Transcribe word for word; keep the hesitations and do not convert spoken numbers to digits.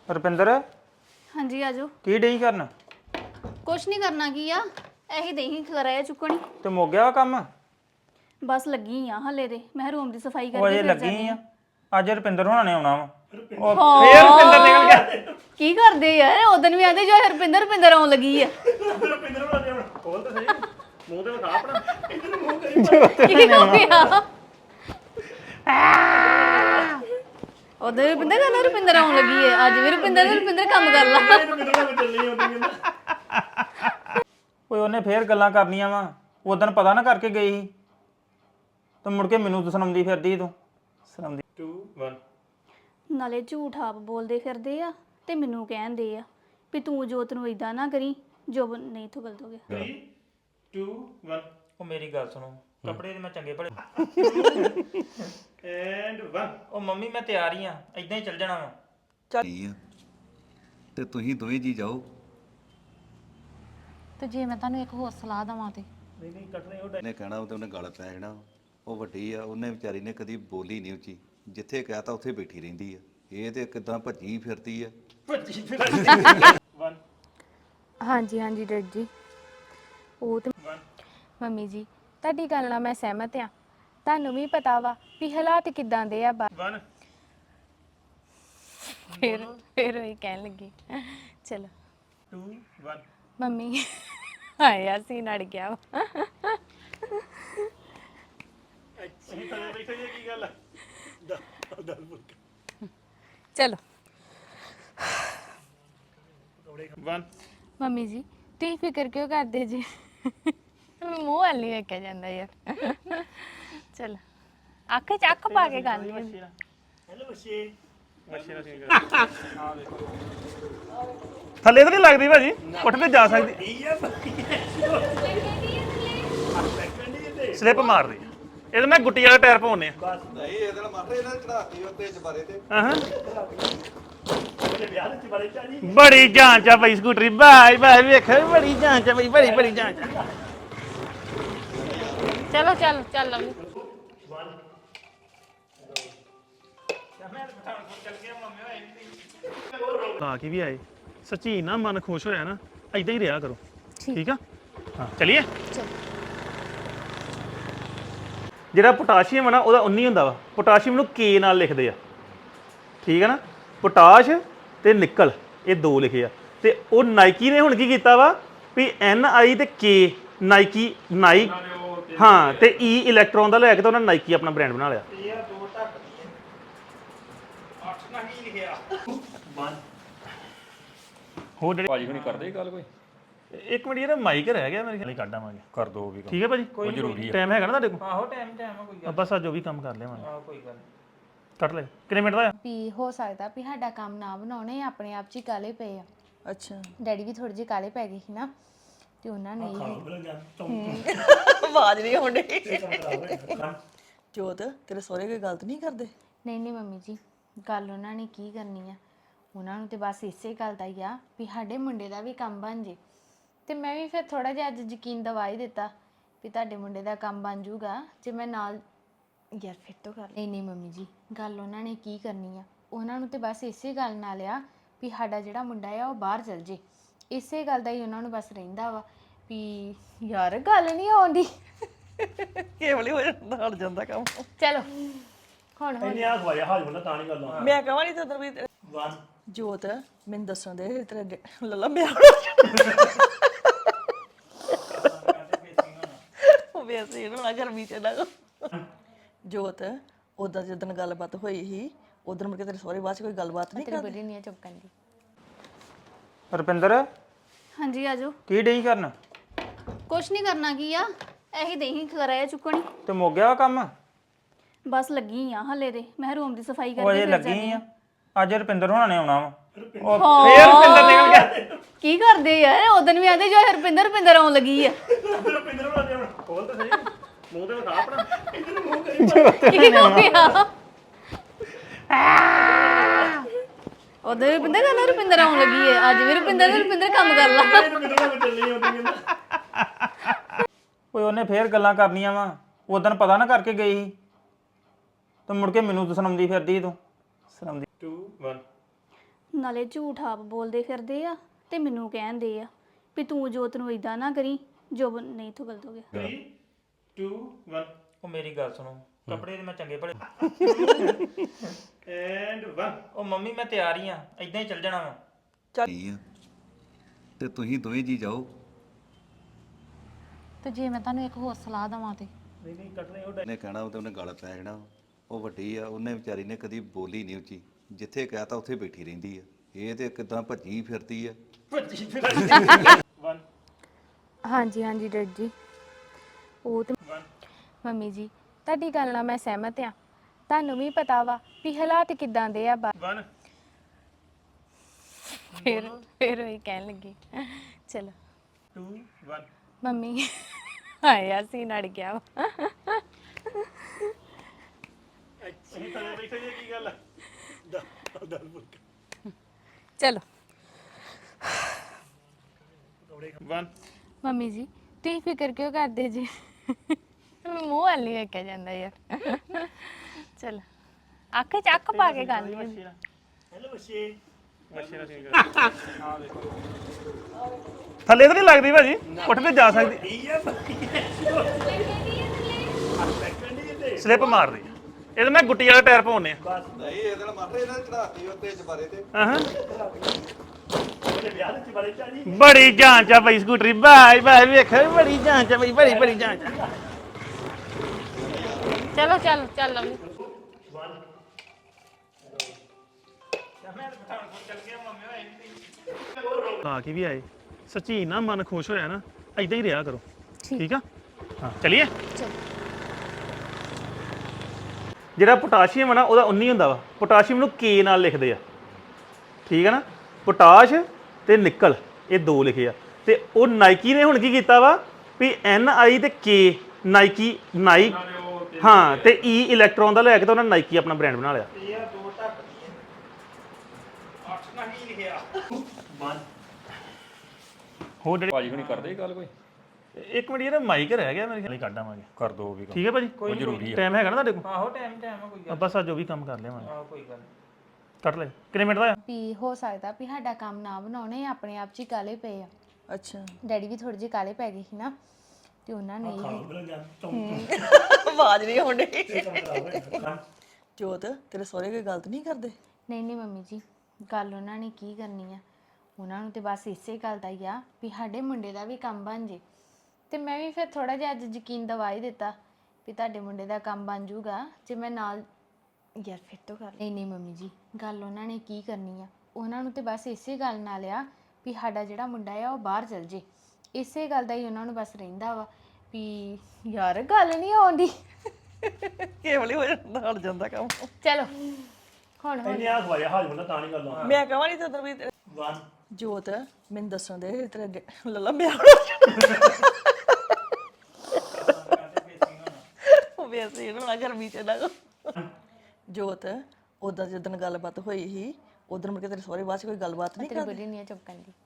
ਰੁਪਿੰਦਰ ਹਾਂਜੀ ਆਜੋ। ਕੀ ਡਈ ਕਰਨ? ਕੁਛ ਨਹੀਂ ਕਰਨਾ ਕੀ ਆ ਇਹੀ ਦੇਹੀ ਖਰਾਇਆ ਚੁੱਕਣੀ ਤੇ ਮੁੱਕ ਗਿਆ ਵਾ ਕੰਮ? ਬਸ ਲੱਗੀ ਆ ਹਲੇ ਤੇ ਮੈਂ ਰੂਮ ਦੀ ਸਫਾਈ ਉਹ ਕਰਕੇ ਅਜੇ ਫਿਰ ਲੱਗੀ ਜਾਣੀ ਆ। ਅੱਜ ਰੁਪਿੰਦਰ ਹੋਣਾ ਨੇ ਆਉਣਾ ਵਾ। ਉਹ ਹਾਂ। ਫੇਰ ਰੁਪਿੰਦਰ ਨਿਕਲ ਗਿਆ। ਕੀ ਕਰਦੇ ਯਾਰ ਉਦੋਂ ਵੀ ਆਂਦੇ ਜੋ ਹਰਪਿੰਦਰ ਰੁਪਿੰਦਰ ਆਉਣ ਲੱਗੀ ਆ। ਰੁਪਿੰਦਰ ਹੋਣਾ ਨੇ ਆਉਣਾ। ਖੋਲ ਤਾਂ ਸਹੀ ਮੂੰਹ ਤੇ ਵਿਖਾ ਆਪਣਾ ਇਧਰ ਮੂੰਹ ਕਰੀ ਕੀ ਹੋ ਗਿਆ ਉਦੋਂ ਰੁਪਿੰਦਰ ਕਹਿੰਦਾ ਰੁਪਿੰਦਰ ਆਉਣ ਲੱਗੀ ਹੈ ਅੱਜ ਵੀ ਰੁਪਿੰਦਰ ਤੇ ਰੁਪਿੰਦਰ ਕੰਮ ਕਰ ਲਾ। ਰੁਪਿੰਦਰ ਨਾਲ ਚੱਲਣੀ ਆਉਂਦੀ ਕਹਿੰਦਾ ਓਏ ਉਹਨੇ ਫੇਰ ਗੱਲਾਂ ਕਰਨੀਆਂ ਵਾ। ਉਦੋਂ ਪਤਾ ਨਾ ਕਰਕੇ ਗਈ ਸੀ ਤੇ ਮੁੜ ਕੇ ਮੈਨੂੰ ਸੁਣਾਉਂਦੀ ਫਿਰਦੀ ਤੂੰ ਸੁਣਾਉਂਦੀ ਟੂ ਵਨ ਨਾਲੇ ਝੂਠ ਆਪ ਬੋਲਦੇ ਫਿਰਦੇ ਆ ਤੇ ਮੈਨੂੰ ਕਹਿੰਦੇ ਆ ਵੀ ਤੂੰ ਜੋਤ ਨੂੰ ਇਦਾਂ ਨਾ ਕਰੀ ਜੋ ਨਹੀਂ ਤੂੰ ਗਲਤ ਹੋ ਗਿਆ। ਥ੍ਰੀ ਟੂ ਵਨ ਉਹ ਮੇਰੀ ਗੱਲ ਸੁਣੋ ਕੱਪੜੇ ਤੇ ਮੈਂ ਚੰਗੇ ਭਲੇ ਐਂਡ ਵਨ ਉਹ ਮੰਮੀ ਮੈਂ ਤਿਆਰ ਹੀ ਆ ਇਦਾਂ ਹੀ ਚੱਲ ਜਾਣਾ ਵਾ। ਕੀ ਆ ਤੇ ਤੁਸੀਂ ਦੋਵੇਂ ਜੀ ਜਾਓ। ਤੇ ਜੇ ਮੈਂ ਤੁਹਾਨੂੰ ਇੱਕ ਹੋਰ ਸਲਾਹ ਦਵਾਂ ਤੇ ਨਹੀਂ ਨਹੀਂ ਕੱਟਣੇ ਉਹ ਉਹਨੇ ਕਹਿਣਾ ਉਹ ਤੇ ਉਹਨੇ ਗਲ ਪੈ ਜਾਣਾ। ਉਹ ਵੱਡੀ ਆ ਉਹਨੇ ਵਿਚਾਰੀ ਨੇ ਕਦੀ ਬੋਲੀ ਨਹੀਂ ਉੱਚੀ ਜਿੱਥੇ ਕਹਤਾ ਉੱਥੇ ਬੈਠੀ ਰਹਿੰਦੀ ਆ। ਇਹ ਤੇ ਕਿਦਾਂ ਭੱਜੀ ਫਿਰਦੀ ਆ। ਵਨ ਹਾਂਜੀ ਹਾਂਜੀ ਡੈਡ ਜੀ ਉਹ ਤੇ ਵਨ ਮੰਮੀ ਜੀ ਤੁਹਾਡੀ ਗੱਲ ਨਾਲ ਮੈਂ ਸਹਿਮਤ ਆ। ਤੁਹਾਨੂੰ ਵੀ ਪਤਾ ਵਾ ਵੀ ਹਾਲਾਤ ਕਿਦਾਂ ਦੇ ਆ ਬਾ- ਵਨ ਫਿਰ ਫਿਰ ਉਹੀ ਕਹਿਣ ਲੱਗੀ ਚਲੋ ਟੂ ਵਨ ਮੰਮੀ ਆਇਆ ਸੀ ਨੜ ਗਿਆ ਵਾ। ਅਸੀਂ ਤਾਂ ਬੈਠੇ ਜੀ ਕੀ ਗੱਲ ਆ ਦਸ ਬੁੱਕ ਚਲੋ ਵਨ ਮੰਮੀ ਜੀ ਤੁਸੀਂ ਫਿਕਰ ਕਿਉਂ ਕਰਦੇ ਜੀ ਮੂੰਹ ਵੱਲ ਨਹੀਂ ਵੇਖਿਆ ਜਾਂਦਾ ਯਾਰ। ਚਲੋ ਅੱਖ ਚ ਅੱਖ ਪਾ ਕੇ ਗੱਲ ਨਹੀਂ ਹੁੰਦੀ। ਹੈਲੋ ਬੱਚੇ ਬੱਚੇ ਨਾਲ ਸਿੰਗਰ ਥੱਲੇ ਤਾਂ ਨਹੀਂ ਲੱਗਦੀ ਭਾਜੀ ਉੱਠ ਤੇ ਜਾ ਸਕਦੀ ਸਲਿੱਪ ਮਾਰਦੀ ਇਹ ਤਾਂ ਮੈਂ ਗੁੱਟੀ ਵਾਲਾ ਟਾਇਰ ਪਾਉਣੇ ਆ ਨਹੀਂ ਇਹਦੇ ਨਾਲ ਮਾਰੇ ਇਹਨਾਂ ਚੜਾਤੀ ਉੱਤੇ ਚਬਾਰੇ ਤੇ ਹਾਂ ਬੜੀ ਜਾਂਚ ਆ ਬਈ ਸਕੂਟਰੀ ਬਾਈ ਬਾਈ ਵੇਖ ਬੜੀ ਜਾਂਚ ਆ ਬਈ ਬੜੀ ਬੜੀ ਜਾਂਚ ਆ ਚਲੋ ਚਲੋ ਚੱਲ ਲਵਲੀ ਲਾ ਕੇ ਵੀ ਆਏ ਸੱਚੀ ਨਾ ਮਨ ਖੁਸ਼ ਹੋਇਆ ਨਾ ਐਦਾਂ ਹੀ ਰਿਹਾ ਕਰੋ ਠੀਕ ਆ ਹਾਂ ਚਲਿਏ ਜਿਹੜਾ ਪੋਟਾਸ਼ੀਅਮ ਹੈ ਨਾ ਉਹਦਾ ਉਨੀ ਹੁੰਦਾ ਵਾ ਪੋਟਾਸ਼ੀਅਮ ਨੂੰ ਕੇ ਨਾਲ ਲਿਖਦੇ ਆ ਠੀਕ ਹੈ ਨਾ ਪੋਟਾਸ਼ ਤੇ ਨਿਕਲ ਇਹ ਦੋ ਲਿਖੇ ਆ ਤੇ ਉਹ ਨਾਈਕੀ ਨੇ ਹੁਣ ਕੀ ਕੀਤਾ ਵਾ ਵੀ ਐਨ ਆਈ ਤੇ ਕੇ ਨਾਈਕੀ ਨਾਈ ਹਾਂ ਤੇ ਈ ਇਲੈਕਟ੍ਰੋਨ ਦਾ ਲੈ ਕੇ ਤਾਂ ਉਹਨਾਂ ਨਾਈਕੀ ਆਪਣਾ ਬ੍ਰਾਂਡ ਬਣਾ ਲਿਆ ਹੋਰ ਜਿਹੜੇ ਭਾਜੀ ਹੁਣੀ ਕਰਦੇ ਗੱਲ ਕੋਈ ਇੱਕ ਮਿੰਟ ਇਹਦਾ ਮਾਈਕ ਰਹਿ ਗਿਆ ਮੇਰੇ ਖਿਆਲ ਕੱਢ ਆਵਾਂਗੇ ਕਰ ਦੋ ਵੀ ਠੀਕ ਹੈ ਭਾਜੀ ਕੋਈ ਜ਼ਰੂਰੀ ਟਾਈਮ ਹੈਗਾ ਨਾ ਤੁਹਾਡੇ ਕੋਲ ਆਹੋ ਟਾਈਮ ਟਾਈਮ ਆ ਕੋਈ ਆ ਬਸ ਆ ਜੋ ਵੀ ਕੰਮ ਕਰ ਲਿਆਵਾਂਗੇ ਆ ਕੋਈ ਗੱਲ ਕੱਟ ਲੈ ਕਿੰਨੇ ਮਿੰਟ ਦਾ ਆ ਵੀ ਹੋ ਸਕਦਾ ਵੀ ਸਾਡਾ ਕੰਮ ਨਾ ਬਣਾਉਣੇ ਆਪਣੇ ਆਪ ਚ ਹੀ ਕਾਲੇ ਪਏ ਆ। ਅੱਛਾ ਡੈਡੀ ਵੀ ਥੋੜੇ ਜਿਹੇ ਕਾਲੇ ਪੈ ਗਏ ਸੀ ਨਾ ਤੇ ਉਹਨਾਂ ਨੇ ਇਹ ਆਵਾਜ਼ ਨਹੀਂ ਆਉਂਦੀ ਜੋਤ ਤੇਰੇ ਸਹੁਰੇ ਕੋਈ ਗਲਤ ਨਹੀਂ ਕਰਦੇ ਨਹੀਂ ਨਹੀਂ ਮੰਮੀ ਜੀ ਗੱਲ ਉਹਨਾਂ ਨੇ ਕੀ ਕਰਨੀ ਆ ਉਹਨਾਂ ਨੂੰ ਤੇ ਬਸ ਇਸੇ ਗੱਲ ਦਾ ਹੀ ਆ ਵੀ ਸਾਡੇ ਮੁੰਡੇ ਦਾ ਵੀ ਕੰਮ ਬਣ ਜੇ ਤੇ ਮੈਂ ਵੀ ਫਿਰ ਥੋੜਾ ਜਿਹਾ ਅੱਜ ਯਕੀਨ ਦਵਾ ਹੀ ਦਿੱਤਾ ਵੀ ਤੁਹਾਡੇ ਮੁੰਡੇ ਦਾ ਕੰਮ ਬਣ ਜਾਊਗਾ ਜੇ ਮੈਂ ਨਾਲ ਯਾਰ ਫਿਰ ਤੋਂ ਕਰ ਨਹੀਂ ਨਹੀਂ ਮੰਮੀ ਜੀ ਗੱਲ ਉਹਨਾਂ ਨੇ ਕੀ ਕਰਨੀ ਆ ਉਹਨਾਂ ਨੂੰ ਤੇ ਬਸ ਇਸੇ ਗੱਲ ਨਾਲ ਆ ਵੀ ਸਾਡਾ ਜਿਹੜਾ ਮੁੰਡਾ ਆ ਉਹ ਬਾਹਰ ਚਲ ਜੇ ਇਸੇ ਗੱਲ ਦਾ ਹੀ ਉਹਨਾਂ ਨੂੰ ਬਸ ਰਹਿੰਦਾ ਵਾ ਵੀ ਯਾਰ ਗੱਲ ਨਹੀਂ ਆਉਂਦੀ ਕੇਵਲ ਹੀ ਹੋ ਜਾਂਦਾ ਹਟ ਜਾਂਦਾ ਕੰਮ ਚਲੋ ਹੁਣ ਹੁਣ ਇੰਨੇ ਆ ਖਵਾਇਆ ਹਾਜ ਬੰਦਾ ਤਾਂ ਨਹੀਂ ਗੱਲ ਆ ਮੈਂ ਕਹਾਂ ਨਹੀਂ ਤਾਂ ਵੀ ਵਨ ਜੋਤ ਮੈਨੂੰ ਦੱਸਣ ਦੇ ਤੇਰੇ ਡੇ- ਲੱਲਾ ਮੈਂ ਉਹ ਵੈਸੇ ਇਹਨਾਂ ਨਾਲ ਗਰਮੀ ਚ ਨਾ ਜੋਤ ਉਦੋਂ ਜਦੋਂ ਗੱਲਬਾਤ ਹੋਈ ਸੀ ਉਦੋਂ ਮੁੜ ਕੇ ਤੇਰੇ ਸਹੁਰੇ ਬਾਅਦ ਚ ਕੋਈ ਗੱਲਬਾਤ ਨਹੀਂ ਤੇਰੀ ਕਰਦੇ ਬੁੱਢੀ ਨਹੀਂ ਚੁੱਕਣ ਦੀ ਰੁਪਿੰਦਰ ਹਾਂਜੀ ਆਜੋ। ਕੀ ਡਈ ਕਰਨ? ਕੁਛ ਨਹੀਂ ਕਰਨਾ ਕੀ ਆ ਇਹੀ ਦੇਹੀ ਖਰਾਇਆ ਚੁੱਕਣੀ ਤੇ ਮੁੱਕ ਗਿਆ ਵਾ ਕੰਮ? ਬਸ ਲੱਗੀ ਆ ਹਲੇ ਤੇ ਮੈਂ ਰੂਮ ਦੀ ਸਫਾਈ ਉਹ ਕਰਕੇ ਅਜੇ ਫਿਰ ਲੱਗੀ ਜਾਣੀ ਆ। ਅੱਜ ਰੁਪਿੰਦਰ ਹੋਣਾ ਨੇ ਆਉਣਾ ਵਾ। ਉਹ ਹਾਂ। ਫੇਰ ਰੁਪਿੰਦਰ ਨਿਕਲ ਗਿਆ। ਕੀ ਕਰਦੇ ਯਾਰ ਉਦੋਂ ਵੀ ਆਂਦੇ ਜੋ ਹਰਪਿੰਦਰ ਰੁਪਿੰਦਰ ਆਉਣ ਲੱਗੀ ਆ। ਰੁਪਿੰਦਰ ਹੋਣਾ ਨੇ ਆਉਣਾ ਖੋਲ ਤਾਂ ਸਹੀ ਮੂੰਹ ਤੇ ਵਿਖਾ ਆਪਣਾ ਇਧਰ ਮੂੰਹ ਕਰੀ ਕੀ ਹੋ ਗਿਆ ਉਦੋਂ ਰੁਪਿੰਦਰ ਕਹਿੰਦਾ ਰੁਪਿੰਦਰ ਆਉਣ ਲੱਗੀ ਹੈ ਅੱਜ ਵੀ ਰੁਪਿੰਦਰ ਤੇ ਰੁਪਿੰਦਰ ਕੰਮ ਕਰ ਲਾ। ਰੁਪਿੰਦਰ ਨਾਲ ਚੱਲਣੀ ਆਉਂਦੀ ਕਹਿੰਦਾ ਓਏ ਉਹਨੇ ਫੇਰ ਗੱਲਾਂ ਕਰਨੀਆਂ ਵਾ। ਉਦੋਂ ਪਤਾ ਨਾ ਕਰਕੇ ਗਈ ਸੀ ਤੇ ਮੁੜ ਕੇ ਮੈਨੂੰ ਸੁਣਾਉਂਦੀ ਫਿਰਦੀ ਤੂੰ ਸੁਣਾਉਂਦੀ ਟੂ ਵਨ ਨਾਲੇ ਝੂਠ ਆਪ ਬੋਲਦੇ ਫਿਰਦੇ ਆ ਤੇ ਮੈਨੂੰ ਕਹਿੰਦੇ ਆ ਵੀ ਤੂੰ ਜੋਤ ਨੂੰ ਇਦਾਂ ਨਾ ਕਰੀ ਜੋ ਨਹੀਂ ਤੋਂ ਗਲਤ ਹੋ ਗਿਆ three two one ਉਹ ਮੇਰੀ ਗੱਲ ਸੁਣੋ ਕੱਪੜੇ ਤੇ ਮੈਂ ਚੰਗੇ ਭਲੇ ਐਂਡ one ਉਹ ਮੰਮੀ ਮੈਂ ਤਿਆਰ ਹੀ ਆ ਇਦਾਂ ਹੀ ਚੱਲ ਜਾਣਾ ਵਾ ਕੀ ਆ ਤੇ ਤੁਸੀਂ ਦੋਵੇਂ ਜੀ ਜਾਓ ਤੇ ਜੇ ਮੈਂ ਤੁਹਾਨੂੰ ਇੱਕ ਹੋਰ ਸਲਾਹ ਦਵਾਂ ਤੇ ਉਹਨੇ ਕਹਿਣਾ ਉਹ ਤੇ ਉਹਨੇ ਗਲ ਪੈ ਜਾਣਾ ਉਹ ਵੱਡੀ ਆ ਉਹਨੇ ਵਿਚਾਰੀ ਨੇ ਕਦੀ ਬੋਲੀ ਨਹੀਂ ਉੱਚੀ ਜਿੱਥੇ ਕਹਤਾ ਉੱਥੇ ਬੈਠੀ ਰਹਿੰਦੀ ਆ ਇਹ ਤੇ ਕਿਦਾਂ ਭੱਜੀ ਫਿਰਦੀ ਆ one ਹਾਂਜੀ ਹਾਂਜੀ ਡੈਡ ਜੀ ਉਹ ਤੇ ਮੰਮੀ ਜੀ ਤੁਹਾਡੀ ਗੱਲ ਨਾਲ ਮੈਂ ਸਹਿਮਤ ਆ ਤੁਹਾਨੂੰ ਵੀ ਪਤਾ ਵਾ ਵੀ ਹਾਲਾਤ ਕਿਦਾਂ ਦੇ ਆ ਬਾ- one ਫਿਰ ਫਿਰ ਉਹ ਕਹਿਣ ਲੱਗੀ ਚਲੋ two one ਮੰਮੀ ਆਇਆ ਸੀ ਨੜ ਗਿਆ ਵਾ ਚਲੋ one ਮੰਮੀ ਜੀ ਤੁਸੀਂ ਫਿਕਰ ਕਿਉਂ ਕਰਦੇ ਜੀ ਮੂੰਹ ਵੱਲ ਨਹੀਂ ਵੇਖਿਆ ਜਾਂਦਾ ਯਾਰ ਚਲ ਅੱਖ ਚ ਅੱਖ ਪਾ ਕੇ ਗੱਲ ਨਹੀਂ ਥੱਲੇ ਤਾਂ ਨਹੀਂ ਲੱਗਦੀ ਭਾਜੀ ਉੱਠ ਤੇ ਜਾ ਸਕਦੀ ਸਲਿੱਪ ਮਾਰਦੀ ਇਹ ਤਾਂ ਮੈਂ ਗੁੱਟੀ ਵਾਲਾ ਟਾਇਰ ਪਾਉਣੇ ਆ ਨਹੀਂ ਇਹਦੇ ਨਾਲ ਮਾਰੇ ਇਹਨਾਂ ਚੜਾਤੀ ਉੱਤੇ ਜਬਾਰੇ ਤੇ ਹਾਂ ਬੜੀ ਜਾਂਚ ਆ ਬਈ ਸਕੂਟਰੀ ਬਾਈ ਬਾਈ ਵੇਖ ਬੜੀ ਜਾਂਚ ਆ ਬਈ ਬੜੀ ਬੜੀ ਜਾਂਚ ਆ ਚਲੋ ਚਲ ਚੱਲ ਲਵਲੀ ਆ ਕੇ ਵੀ ਆਏ ਸੱਚੀ ਨਾ ਮਨ ਖੁਸ਼ ਹੋਇਆ ਨਾ ਐਦਾਂ ਹੀ ਰਿਹਾ ਕਰੋ ਠੀਕ ਆ ਹਾਂ ਚਲਿਏ ਜਿਹੜਾ ਪੋਟਾਸ਼ੀਅਮ ਹੈ ਨਾ ਉਹਦਾ ਉਨੀ ਹੁੰਦਾ ਵਾ ਪੋਟਾਸ਼ੀਅਮ ਨੂੰ ਕੇ ਨਾਲ ਲਿਖਦੇ ਆ ਠੀਕ ਹੈ ਨਾ ਪੋਟਾਸ਼ ਤੇ ਨਿਕਲ ਇਹ ਦੋ ਲਿਖੇ ਆ ਤੇ ਉਹ ਨਾਈਕੀ ਨੇ ਹੁਣ ਕੀ ਕੀਤਾ ਵਾ ਵੀ ਐਨ ਆਈ ਤੇ ਕੇ ਨਾਈਕੀ ਨਾਈ ਹਾਂ ਤੇ ਈ ਇਲੈਕਟ੍ਰੋਨ ਦਾ ਲੈ ਕੇ ਤਾਂ ਉਹਨਾਂ ਨਾਈਕੀ ਆਪਣਾ ਬ੍ਰਾਂਡ ਬਣਾ ਲਿਆ ਇਹ ਆ ਦੋ ਟੱਕ ਅੱਠ ਨਾ ਕੀ ਲਿਖਿਆ ਹੋਰ ਜਿਹੜੇ ਭਾਜੀ ਹੁਣੀ ਕਰਦੇ ਗੱਲ ਕੋਈ ਇੱਕ ਮਿੰਟ ਇਹਦਾ ਮਾਈਕ ਰਹਿ ਗਿਆ ਮੇਰੇ ਖਿਆਲ ਕੱਢ ਆਵਾਂਗੇ ਕਰ ਦੋ ਵੀ ਕੰਮ ਠੀਕ ਹੈ ਭਾਜੀ ਉਹ ਜ਼ਰੂਰੀ ਹੈ ਟਾਈਮ ਹੈਗਾ ਨਾ ਤੁਹਾਡੇ ਕੋਲ ਆਹੋ ਟਾਈਮ ਟਾਈਮ ਆ ਕੋਈ ਗੱਲ ਆਪਾਂ ਜੋ ਵੀ ਕੰਮ ਕਰ ਲਿਆਵਾਂਗੇ ਆਹੋ ਕੋਈ ਗੱਲ ਕੱਟ ਲੈ ਕਿੰਨੇ ਮਿੰਟ ਦਾ ਆ ਵੀ ਹੋ ਸਕਦਾ ਵੀ ਸਾਡਾ ਕੰਮ ਨਾ ਬਣਾਉਣੇ ਆਪਣੇ ਆਪ ਚ ਹੀ ਕਾਲੇ ਪਏ ਆ ਅੱਛਾ ਡੈਡੀ ਵੀ ਥੋੜੇ ਜਿਹੇ ਕਾਲੇ ਪੈ ਗਏ ਸੀ ਨਾ ਤੇ ਉਹਨਾਂ ਨੇ ਇਹ ਆਵਾਜ਼ ਨਹੀਂ ਆਉਂਦੀ ਜੋਤ ਤੇਰੇ ਸਹੁਰੇ ਕੋਈ ਗਲਤ ਨਹੀਂ ਕਰਦੇ ਨਹੀਂ ਨਹੀਂ ਮੰਮੀ ਜੀ ਗੱਲ ਉਹਨਾਂ ਨੇ ਕੀ ਕਰਨੀ ਆ ਉਹਨਾਂ ਨੂੰ ਤੇ ਬਸ ਇਸੇ ਗੱਲ ਦਾ ਹੀ ਆ ਵੀ ਸਾਡੇ ਮੁੰਡੇ ਦਾ ਵੀ ਕੰਮ ਬਣ ਜੇ ਤੇ ਮੈਂ ਵੀ ਫਿਰ ਥੋੜਾ ਜਿਹਾ ਅੱਜ ਯਕੀਨ ਦਵਾ ਹੀ ਦਿੱਤਾ ਵੀ ਤੁਹਾਡੇ ਮੁੰਡੇ ਦਾ ਕੰਮ ਬਣ ਜਾਊਗਾ ਜੇ ਮੈਂ ਨਾਲ ਯਾਰ ਫਿਰ ਤੋਂ ਕਰ ਨਹੀਂ ਨਹੀਂ ਮੰਮੀ ਜੀ ਗੱਲ ਉਹਨਾਂ ਨੇ ਕੀ ਕਰਨੀ ਆ ਉਹਨਾਂ ਨੂੰ ਤੇ ਬਸ ਇਸੇ ਗੱਲ ਨਾਲ ਆ ਵੀ ਸਾਡਾ ਜਿਹੜਾ ਮੁੰਡਾ ਆ ਉਹ ਬਾਹਰ ਚਲ ਜੇ ਇਸੇ ਗੱਲ ਦਾ ਹੀ ਉਹਨਾਂ ਨੂੰ ਬਸ ਰਹਿੰਦਾ ਵਾ ਵੀ ਯਾਰ ਗੱਲ ਨਹੀਂ ਆਉਂਦੀ ਕੇਵਲ ਹੋ ਜਾਂਦਾ ਹਟ ਜਾਂਦਾ ਕੰਮ ਚਲੋ ਹੁਣ ਹੁਣ ਆ ਖਵਾਇਆ ਹਾਜ ਬੰਦਾ ਤਾਂ ਨਹੀਂ ਗੱਲ ਆ ਮੈਂ ਕਹਾਂ ਨਹੀਂ ਤੇ ਉਧਰ ਵੀ ਵਨ ਜੋਤ ਮੈਨੂੰ ਦੱਸਣ ਦੇ ਤੇਰੇ ਅੱਗੇ ਲੱਲਾ ਮੈਂ ਉਹ ਵੈਸੇ ਇਹਨਾਂ ਨਾਲ ਗਰਮੀ ਚ ਨਾ ਜੋਤ ਉਦੋਂ ਜਦੋਂ ਗੱਲਬਾਤ ਹੋਈ ਸੀ ਉਦੋਂ ਮੁੜ ਕੇ ਤੇਰੇ ਸਹੁਰੇ ਬਾਅਦ ਚ ਕੋਈ ਗੱਲਬਾਤ ਨਹੀਂ ਤੇਰੀ ਬੜੀ ਨਹੀਂ ਚੁੱਪ ਕਰਦੀ